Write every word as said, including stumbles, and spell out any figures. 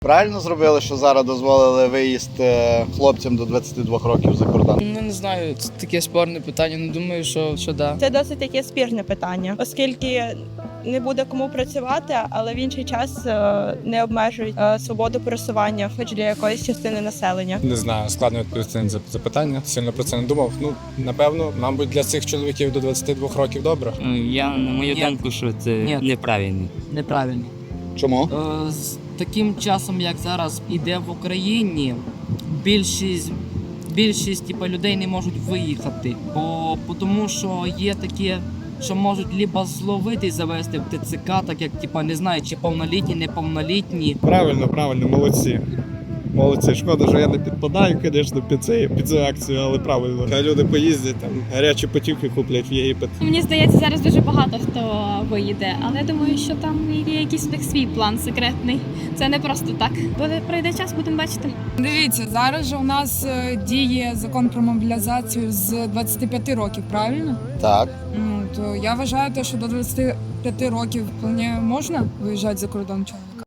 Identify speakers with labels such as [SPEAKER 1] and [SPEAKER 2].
[SPEAKER 1] Правильно зробили, що зараз дозволили виїзд хлопцям до двадцяти двох років за кордон?
[SPEAKER 2] Ну, не знаю, це таке спорне питання, не думаю, що, що да.
[SPEAKER 3] Це досить таке спірне питання, оскільки не буде кому працювати, але в інший час е, не обмежують е, свободу пересування, хоч для якоїсь частини населення.
[SPEAKER 4] Не знаю, складно відповісти на це запитання, сильно про це не думав. Ну, напевно, мабуть, для цих чоловіків до двадцяти двох років добре.
[SPEAKER 5] Я, на мою
[SPEAKER 2] Ні.
[SPEAKER 5] думку, що це
[SPEAKER 2] Ні.
[SPEAKER 5] неправильно.
[SPEAKER 2] Неправильно.
[SPEAKER 1] Чому?
[SPEAKER 6] Е, З таким часом, як зараз іде в Україні, більшість, більшість типу, людей не можуть виїхати, бо тому що є такі, що можуть либо зловити і завести в ТЦК, так як типу, не знаю, чи повнолітні, неповнолітні.
[SPEAKER 7] Правильно, правильно, молодці. Молодці. Шкода, що я не підпадаю, звісно, під цю, під цю акцію, але правильно. Хай люди поїздять, там гарячі потівки куплять в Єгипет.
[SPEAKER 8] Мені здається, зараз дуже багато хто виїде, але я думаю, що там є якийсь у них свій план секретний. Це не просто так. Буде пройде час, будемо бачити.
[SPEAKER 9] Дивіться, зараз же у нас е, діє закон про мобілізацію з двадцяти п'яти років, правильно?
[SPEAKER 1] Так.
[SPEAKER 9] Ну, то я вважаю, те, що до двадцяти п'яти років вполне можна виїжджати за кордон чоловік.